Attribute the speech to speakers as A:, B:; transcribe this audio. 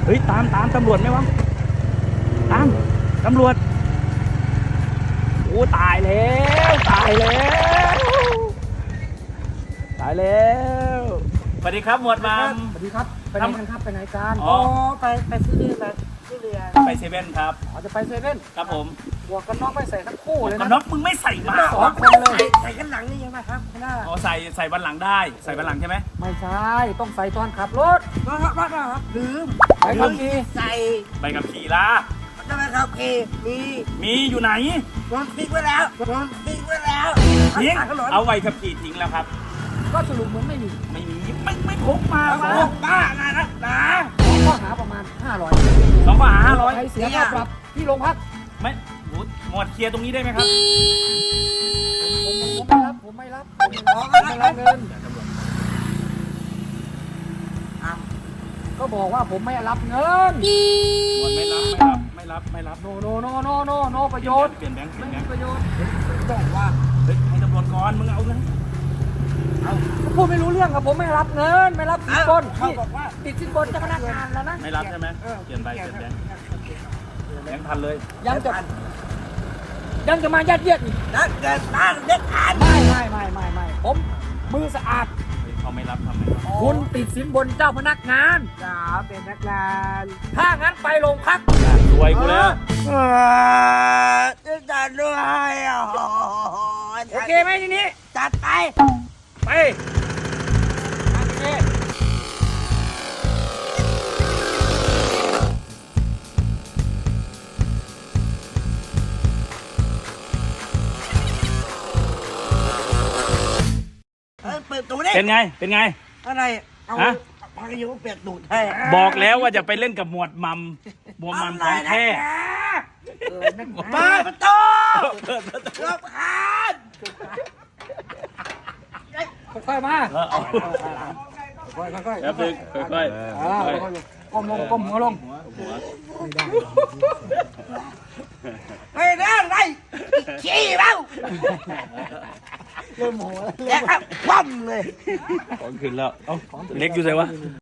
A: เฮ้ยตามตำรวจไหมวะตามตำรวจโอ้ตายแล้วสวัสดีครับหมวดมัม
B: สวัสดีครับไปไหนกันครับไปไหนกัน
A: อ๋อ
B: ไปซื้อเรือ
A: ไปเซเว่นครับ
B: อ๋อจะไปเซเว่น
A: ครับผม
B: หมวกกันน็อกไม่ใส่ทั้งคู่เลย
A: กัน
B: นะ
A: น็อกมึงไม่ใส่มา
B: สองคนเลยใส่กันหลังนี่ยังไงครับคุณน้า
A: อ๋อใส่วันหลังได้ใส่วันหลังใช่ไหม
B: ไม่ใช่ต้องใส่ตอนขับรถครับลืมไปขับขี่
C: ใส่
A: ใบกับขี่ละ
C: ทำไมครับเอมี
A: มีอยู่ไหน
C: โดนทิ้งไว้แล้ว
A: ทิ้งเอาใบกับขี่ทิ้งแล้วครับ
B: ก็สรุปเหมือนไม่มี
A: ไม่พกมา
C: โอ้บ้านะนะ
B: ข้อหาประมาณ500
A: 2ข้อหา500
B: ใช้เสียค่าปรับที่โรงพัก
A: ไม่โหหมวดเคลียร์ตรงนี้ได้ไหมครับ
B: ผมไม่รับเงินก็บอกว่าผมไม่รับเงิน
A: หมวดไม่รับ
B: โนประโยชน์
A: เปลี่ยนแบงค์
B: ไม่มีประโยชน์
C: บอกว่า
A: เฮ้ยให้ตำรวจก่อนมึงเอาเงิน
B: พูดไม่รู้เรื่องครับผมไม่รับเงินไม่รับสินบน
C: เขาบอกว่า
B: ติดสินบนเจ้าพนักงานแล้วนะ
A: ไม่รับใช่ไหมเปลี่ยนแบงค์พันเลย
B: ยังจะมายัดเยียดอีก
C: นักเกิดบ้านเด็กอ่าน
B: ไม่ผมมือสะอาด
A: เขาไม่รับทำไม
B: คุณติดสินบนเจ้าพนักงาน
C: จ๋าเป็นนักงาน
B: ถ้างั้นไปโรงพัก
A: รวยกูแล้ว
C: จะด้วยอ่ะ
B: โอเคไหมทีนี้
C: จัดไป
B: ไปโอเค
C: เปิดตูดดิ
A: เป็นไง
C: อะไรเอา
A: ฮะ
C: พายุเปียกตูดให้
A: บอกแล้วว่าจะไปเล่นกับหมวดมัมของแท้
C: มาประตูรบคาน
B: ค่อยๆมา
A: เอา
B: ค่อยๆ
A: แป๊บนึงค่อยๆ
B: ก้มลงก้มหัวลง
C: เฮ้ยนะไรขี้เบ้า
B: เริ่มโมโหแล้ว
C: แกครับคว่ำเลย
A: ของขึ้นแล้ว เอ้าเล็กอยู่ไหนวะ